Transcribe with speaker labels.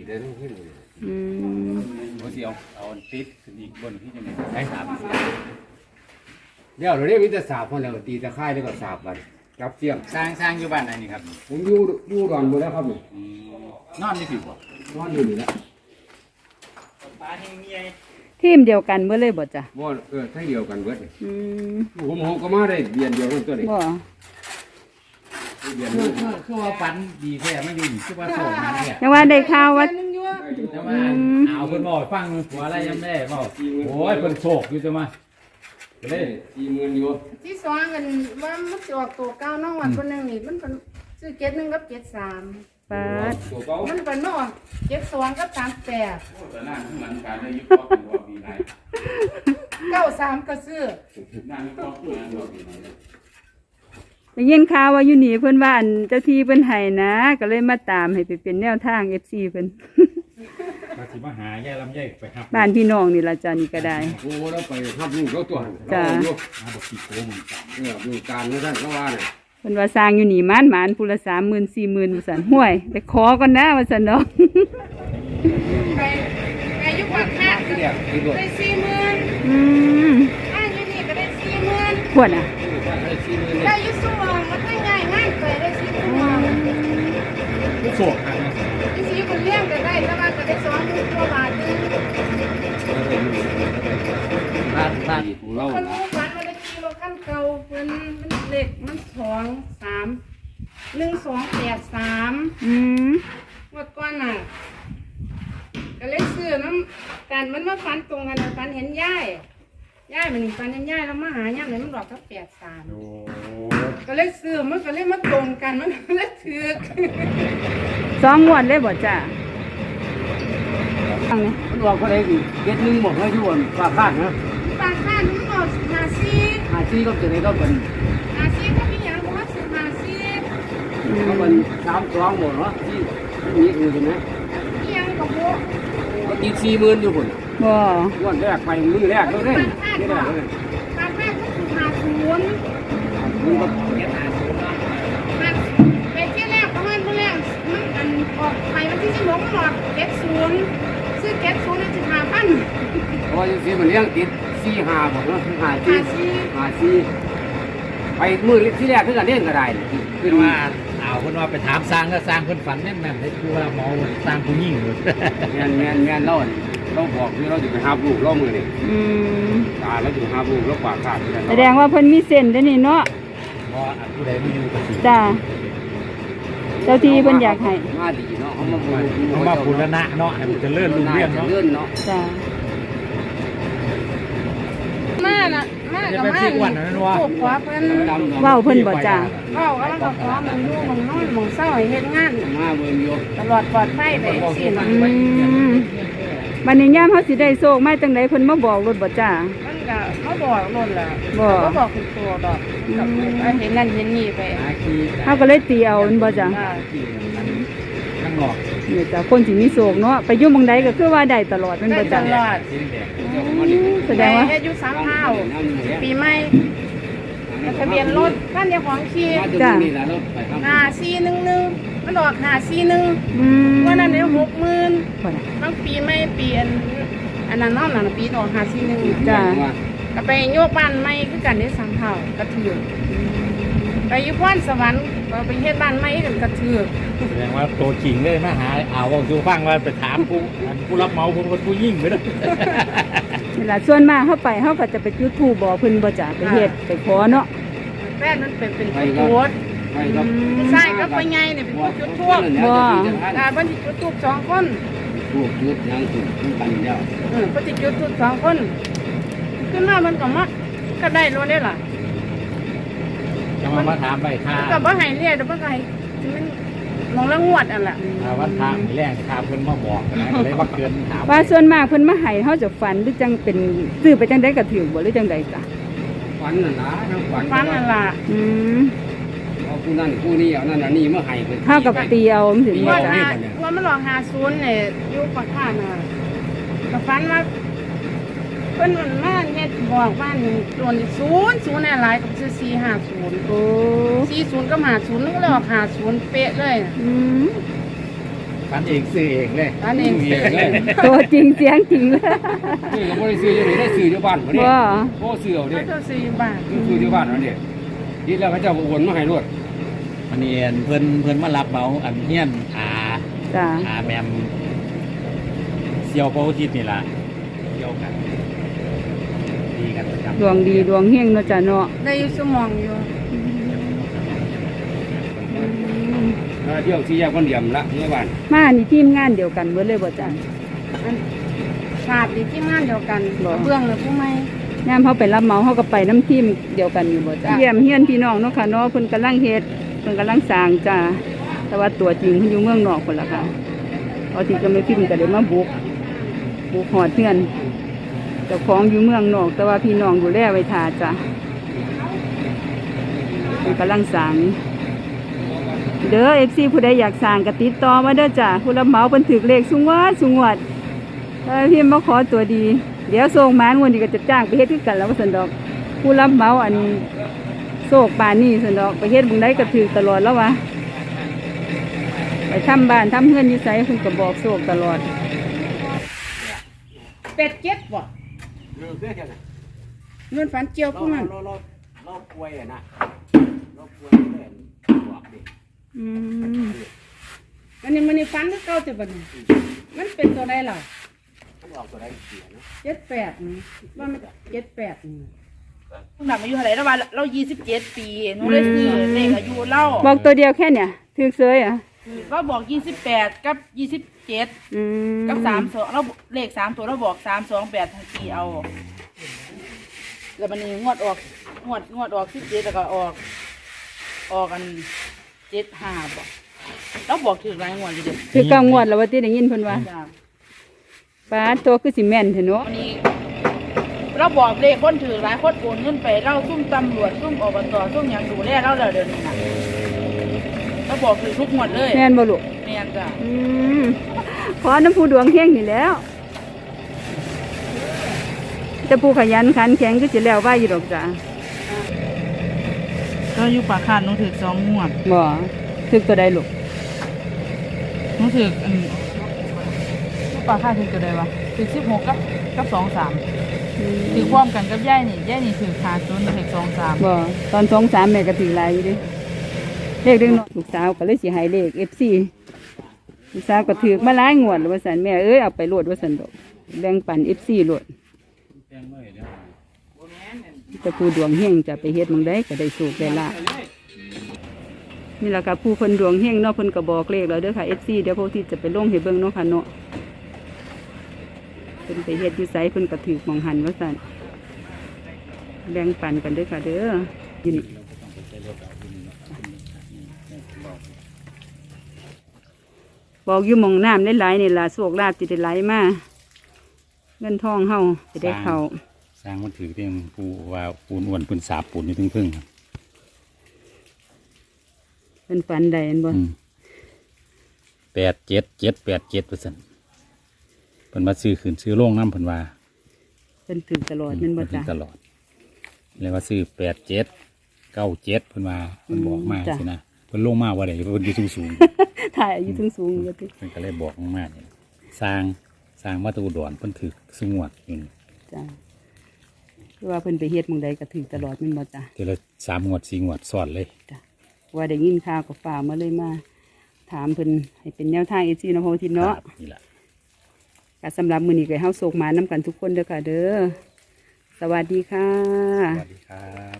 Speaker 1: ได้ทั้งขึ้นเลย
Speaker 2: เขาสิเอาติดขึ้นอีกบนที่จะมีใช้สาม
Speaker 1: เดี๋ยวเราเรียกวิทยาศาสตร์พอแล้วตีตะไคร้แล้วก็สาบกันจับเสียง
Speaker 2: สร้างอยู่บ้านไหนนี่ครับ
Speaker 1: ผมอยู่ดอนหมดแล้วครับนี่
Speaker 2: นอนนี่สิบ่
Speaker 1: นอนอยู่นี่แล้ว
Speaker 2: ปลาที่เมีย
Speaker 3: ทีมเดียวกันเมื่อเลยบ่จ้ะ
Speaker 1: บ่ทั้งเดียวกันเบิด ผมก็มาได้เบียนเดียวกันตัวนี้
Speaker 3: บ่
Speaker 1: เบียน
Speaker 2: คือว่าฝันดีแท้ไม่ดีคือว่าโสดนะเนี่ย
Speaker 3: ยังว่าได้ข่าวว่า
Speaker 2: แต่ว่าเอาเพิ่นบอกฟังหัวอะไรยังได้บอกโอ้ยเพิ่นโศกอยู่จังมาก็เลย
Speaker 1: 40,000อยู่
Speaker 4: ที่สองกันว่ามันจะออกตัวเก้าน้องวันคนหนึ่งนี่มันเป็นซื้อเจ็ดหนึ่งกับเจ็ดสาม
Speaker 3: ปาด
Speaker 1: ตัวเก่า
Speaker 4: มันเป็นนอกเจ็ดสองกับ38
Speaker 2: แต่นั่งข้างหลังการได้ยุบก็คือว่ามีหลาย
Speaker 4: 93ก็ซื้อ
Speaker 2: นั่งยุบก็คือว่ามีหลาย
Speaker 3: ได้ยินข่าวว่าอยู่นี่เพิ่นว่าอันเจ้าที่เพิ่นให้นะ ก็เลยมาตามให้ไปเป็นแนวทาง FC เพิ่น
Speaker 2: มาสิมาหาแย่ลำไยไปครับ
Speaker 3: บ้านพี่น้องนี่ล่ะจ้ะนี่ก็ได้
Speaker 1: โอ้แล้วไปทับลูกเขาตัว
Speaker 3: จ้ะ
Speaker 2: มาบอกกี่โกงมันต่ำ
Speaker 1: ดูการนั่นท่านเขาว่าเนี่ย
Speaker 3: เพิ่นว่าสร้างอยู่นี่หมานผู้ละ 30,000 40,000ว่าซั่นห้วยไปขอก่อนนะว่าซั่นเนาะ
Speaker 4: ไปยุควันค่าก็
Speaker 1: เรียกที่รถ
Speaker 4: ได้40,000
Speaker 3: อืม
Speaker 4: อ้างอยู่นี่ก็ได้40,000
Speaker 3: พวดอ่ะ
Speaker 4: ได้อยุสูงมันได้ง่ายง่ายไปได้40,000
Speaker 2: โศกครับ
Speaker 4: ที่สีคนเลี้ยงก็ได้แต่ว่าก็ได้20,000กว่าบาทนึง
Speaker 1: บ้านของเรา
Speaker 4: คนรู้ฝันว่าได้ขี่รถคันเก่าเพิ่นมันเล็กมัน1283
Speaker 3: อืม
Speaker 4: เมื่อก่อนน่ะก็เลยซื้อน้ำกันมันมาฟันตรงกันน่ะฟันเห็นย่ายมันฟันเห็นย่ายแล้วมาหาย่ายเลยมันหลอกก็83
Speaker 2: โอ้
Speaker 4: ก็เลยซื้อมันก็เลยมาตรงกันมันก็เลยถือ
Speaker 3: 2งวดเลยบ่จ้ะฟังนี่
Speaker 1: มันบอกเขาได้กี่เก็ดนึงบอกให้อยู่บนปากคาดนะ
Speaker 4: ปากข้ามันหมด
Speaker 1: 54
Speaker 4: 54
Speaker 1: ก็จะได้ก็เป็น
Speaker 4: 54ก็มีอย่างว่าซื้อ54
Speaker 1: ก็เป็น32หมดเนาะที่นี่คือใช่ไหม
Speaker 4: มีอย่างกับพวก
Speaker 1: ก็ตี40,000อยู่คน
Speaker 3: บ่
Speaker 1: วันแรกไปมือแรกก็เล่นนี่แหละเลย
Speaker 4: ปากข้าก็คือ50
Speaker 1: มันก็
Speaker 4: มันไปเที่ยวแรกประมาณเมื่อแรกมันอันออกไปวันที่16มันออก70ซื้อ70ได้15,000
Speaker 1: เพราะสิมันเลี้ยงติด45บอกเนาะ54ไปมือที่แรกคือกันเล่นก็ได้
Speaker 2: คือว่าเอาคนว่าไปถามสร้างก็สร้างคนฝันแม่นๆให้คือว่าหมอสร้างผู้ยิ่งเลย
Speaker 1: แม่นเราบอกที่เราจะไปหาลูกเรามือนี่
Speaker 3: อืม
Speaker 1: ตาเราจะหาลูกเราปากคาด
Speaker 3: แสดงว่าเพิ่นมีเส้นเด้อนี่เนาะ
Speaker 2: เพราะผู้ใดไม่อยู่ก็สิ
Speaker 3: จ้ะเจ้าที่เพิ่นอยากให้
Speaker 1: มาดีเนาะเขามา
Speaker 2: เขามาพูดแล้วนะเนาะให้มันจะเลื่อนลุงเรื่องเนาะ
Speaker 1: เลื่อนเนาะ
Speaker 3: จ้ะ
Speaker 4: มาน่ะมา
Speaker 2: จะ
Speaker 4: กับ
Speaker 2: ไป
Speaker 4: มา
Speaker 2: ที่วันนั้นว่า
Speaker 4: พวกขวาเพิ่น
Speaker 3: เว้าเพิ่นบ่จ้ะ
Speaker 4: เว้าแล้วก็ขอมันอยู่มันนอนมันเศร้าให้เฮ็ดงาน
Speaker 1: มาเบิ่งอยู่
Speaker 4: ตลอดปลอดภัยไปสิน่ะ
Speaker 3: บัดนี้ยามเฮาสิได้โชคมาจังได๋เพิ่นมาบอกรถบ่จ้ะ
Speaker 4: มันก็เขาบอกโน่นล่ะ
Speaker 3: บ่
Speaker 4: เขาบอกเป็นตัวดอกกับเห็นนั่นเห็นนี่ไป
Speaker 3: เฮาก็เลยตีเอาแม่นบ่จ้ะ
Speaker 2: ข้างนอก
Speaker 3: นี่จ้ะคนสิมีโชคเนาะไปอยู่หม่องใดก็คือว่าได้ตลอดแม่น
Speaker 4: ได้
Speaker 3: บ่
Speaker 4: ต
Speaker 3: จ้ะ
Speaker 4: ลอด
Speaker 3: แสดงว่า
Speaker 4: เฮ็ดอยู่สามเท้าปีใหม่ทะเบียนรถบ้านเจ้าของขี่
Speaker 1: มาตรงนี้แหละเราไปทำ
Speaker 4: 5411มันออก541
Speaker 3: อืม
Speaker 4: วันนั้นได้60,000
Speaker 3: บ่ล่ะ
Speaker 4: บางปีไม่เปลี่ยนอันนั้นเนาะนั่นปีออก541
Speaker 3: จ้ะ
Speaker 4: ก็ไปโยกบ้านใหม่คือกันได้3เท่ากระเทือกไปอยู่พรสวรรค์ก็ไปเฮ็ดบ้านใหม่กันกระเทือก
Speaker 2: แสดงว่าตัวจริงเลยมาหาเอาวงจูฟังว่าไปถามผู้รับเหมาผู้ยิ่งไปเลย
Speaker 3: นี่ล่ะส่วนมากเฮาไปเฮาก็จะไปจุดธูปบอกเพิ่นบ่จ้ะไปเฮ็ดไปขอเนาะ
Speaker 4: แฟนมันเป็นผู้ตรวจ
Speaker 1: ไปครับ
Speaker 4: ใช่ก็ไปไงเนี่ยเป็นผู้จุดทูบบันที่จุดทูบ2 คน
Speaker 1: ถูกยุดยังถูกกันแล้ว
Speaker 4: ก็จะจุดทูบ2 คนขึ้นมามันก็มาก็ได้รู้ได้ล่ะ
Speaker 2: จะมาถามไปค่า
Speaker 4: ก็บ่ให้เรียกแต่บ่ให้มันมองละงวดอันล่ะ
Speaker 2: วันทางแรงทางเพิ่นมาบอกนะเลยว่าเกินถาม
Speaker 3: ว่าส่วนมากเพิ่นมาให้เฮาจะฝันหรือจังเป็นซื้อไปจังได๋ก็ถือบ่หรือจังไดจ้ะ
Speaker 1: ฝันน่ะนะทั้งฝัน
Speaker 4: ฟันนั่นล่ะ
Speaker 3: อืม
Speaker 1: เอาผู้นั้นผู้นี้เอานั่นนี่มาให้เพิ่น
Speaker 3: เฮากับตีเอาจังซี่บ่
Speaker 4: ว่า
Speaker 3: จ้ะ
Speaker 4: ว่ามันหลอก50เนี่ยอยู่ปากข้างน่ะก็ฝันว่าเพิ่นมันมาเฮ็ดบอกว่านี่ตัวนี้00น่ะหลายกับซื้อ450
Speaker 3: โอ้
Speaker 4: 40ก็50นึงก็เลยออก50เป๊ะเลย
Speaker 3: อืม
Speaker 2: ไปฝันเองซื้อเองเลย
Speaker 4: อันนี้
Speaker 1: ซื้อเองเลย
Speaker 3: ตัวจริงเสียงจริงเลย
Speaker 1: ซื้อก็บ่ได้ซื้ออยู่นี่ได้ซื้ออยู่บ้านบ่นี่
Speaker 3: ว่า
Speaker 1: โอ้ซื้อเอาดิ
Speaker 4: ก็จะ4 บาท
Speaker 1: ซื้ออยู่บ้านเอาดินี่แล้วเขาเจ้าก็โอนมาให้รวด
Speaker 2: อันนี้เพิ่นมารับเหมาอันเฮียน
Speaker 3: จ้า
Speaker 2: แมมเซียวโปรทิศนี่ล่ะเดียวกันดีกันประจำ
Speaker 3: ดวงดีดวงเฮงเนาะจ้าเนาะ
Speaker 4: ได้อยู่สมองอยู่
Speaker 1: เที่ยวที่แยกวันเดียมละเมื่อวาน
Speaker 3: มานี่ทีมงานเดียวกันเบิดเลยบ่จ้า
Speaker 4: อันฉาบดีที่งานเดียวกันเบื้องหรือผู้ไม่
Speaker 3: ยามเขาไปรับเหมาเขาก็ไปน้ำทีมเดียวกันอยู่บ่จ้าเยี่ยมเฮียนพี่น้องเนาะค่ะเนาะเพิ่นกำลังเฮ็ดเพิ่นกำลังสร้างจ้าแต่ว่าตัวจริงเพิ่นอยู่เมืองนอกพุ่นล่ะค่ะเอาที่ก็ไม่พิมพ์ก็ได้มาบุกหอดเฮือนเจ้าของอยู่เมืองนอก แต่ว่าพี่น้องดูแลไว้ท่าจ้าเพิ่นกำลังสร้างเด้อ FC ผู้ใดอยากสร้างก็ติดต่อมาเด้อจ้าผู้รับเหมาเพิ่นถูกเลขสูงวดพี่มาขอตัวดีเดี๋ยวส่งมางวดนี้ก็จะจ้างไปเฮ็ดคือกันแล้วว่าซั่นดอกผู้รับเหมาอันโศกป่านนี้ซั่นดอกไปเฮ็ดบุงใดก็ถูกตลอดแล้ววะไปทำบ้านทำเฮือนอยู่ไสเพิ่นก็บอกโศกตลอด
Speaker 4: เป็ดเจ็ดบ่
Speaker 1: เลิกเด้อแค่นั้น
Speaker 4: เงินฝันเจียวพวกนั้น
Speaker 1: เราป่วยอ่ะนะเราป่วยเลยบอกดิ
Speaker 3: อืม
Speaker 4: อันนี้มันนี่ฝันคือเก่าแต่บัดนี้มันเป็นตัวใดล่ะ
Speaker 1: ต้องออกตัวได้เสียนะ
Speaker 4: 78นี่ว่ามัน78นี่
Speaker 5: หนักอายุเท่าไหร่แล้วว่าเรา27 ปีหนูได้ซื้อเลขอายุเรา
Speaker 3: บอกตัวเดียวแค่เนี่ยถูกเสยอ่ะ
Speaker 5: ก็บอก28กับ27
Speaker 3: อืม
Speaker 5: กับ32เราเลข3ตัวเราบอก328ทั้งปีเอา แล้วมันนี่งวดออกงวดออก17แล้วก็ออกกัน75บ่เราบอกถึงหลายงวดอยู่เด้
Speaker 3: คือเก้างวดแล้วว่าที่ได้ยินเพิ่นว่า
Speaker 5: จ้า
Speaker 3: ป้าตัวคือสิแม่นเถอะเนาะ
Speaker 5: วันนี้เราบอกเลขคนถือหลายคนโอนเงินไปเราซุ่มตำรวจซุ่มอบตซุ่มหยังดูแลเราแล้วเดี๋ยวนี้นะเราบอกถือทุกงวดเลย
Speaker 3: แม่นบ่ลูก
Speaker 5: แม่นจ้ะ
Speaker 3: อืมขอน้ำผู้ดวงเฮงนี่แหล้วแต่ผู้ขยันขันแข็งก็สิแล้วไว้อยู่ดอกจ้ะ
Speaker 5: ก็อยู่ปากคาดหนูถือ2 งวด
Speaker 3: บ่ถึกตัวใดลูก
Speaker 5: หนูถืออยู่ปากคาดถือตัวใดวะถือ16กับ23ถือความกันกับย่ายนี่ถือขาด0ถือ23
Speaker 3: บ่ตอน2-3แม่ก็ถือหลายอยู่เดิเลขเด็กน้อยลูกสาวก็เลยสิให้เลข FC ลูกสาวก็ถือมาหลายงวดแล้วว่าซั่นแม่เอ้ยเอาไปโลดว่าซั่นดอกแบ่งปัน FC โลดแต่ผู้ดวงเฮงจะไปเฮ็ดหม่องใดก็ได้โชคได้ลาภนี่ล่ะค่ะผู้เพิ่นดวงเฮงเนาะเพิ่นก็บอกเลขแล้วเด้อค่ะ FC เดี๋ยวพวกที่จะไปลงให้เบิ่งเนาะค่ะเนาะเพิ่นไปเฮ็ดอยู่ไสเพิ่นก็ถือหม่องหันว่าซั่นแบ่งปันกันเด้อค่ะเด้ออยู่นี่บอกอยู่หม่องน้ำได้หลายนี่ล่ะโชคลาภสิได้ไหลมาเงินทองเฮาสิได้เข้า
Speaker 2: สร้างมันถือเรื่องปูว่าปูนอ้วนปูนสาบปูนนี่พึ่งครับ
Speaker 3: เป็นฝันใดอันบ่
Speaker 2: 87,787%เพิ่นมาซื้อขืนซื้อโรงน้ำเพิ่นว่า
Speaker 3: เป็นถึงตลอดแมันบ่
Speaker 2: เพิ่น
Speaker 3: จ้ะ
Speaker 2: ตลอดเลยว่าซื้อ8797เพิ่นว่าเพิ่นบอกมา
Speaker 3: จ้ะ
Speaker 2: สินะเพิ่นลงมาว่าได้เพิ่นอยู่สูง
Speaker 3: ถ่ายอายุสูงๆอยู่ติ
Speaker 2: เพิ่นก็เลยบอกมานี่สร้างมาแตอุดรเพิ่นถือสงวดอยู่นี่
Speaker 3: จ้ะคือว่าเพิ่นไปเฮ็ดหม่องใดก็ถึงตลอดแมันบ่จ้ะ
Speaker 2: ทีละ3 งวด 4 งวดซ้อนเลย
Speaker 3: จ้ะว่าได้ยินข่าวก็ฝ่ากมาเลยมาถามเพิ่นให้เป็นแนวทาง FC เนาะพ่อทินเนาะ
Speaker 2: ครับนี่ล่ะ
Speaker 3: ก็สำหรับมื้อนี้ก็ให้เฮาโศกมานํกันทุกคนเด้อค่ะเด้อสวัสดีค่ะ
Speaker 2: สวัสดีครับ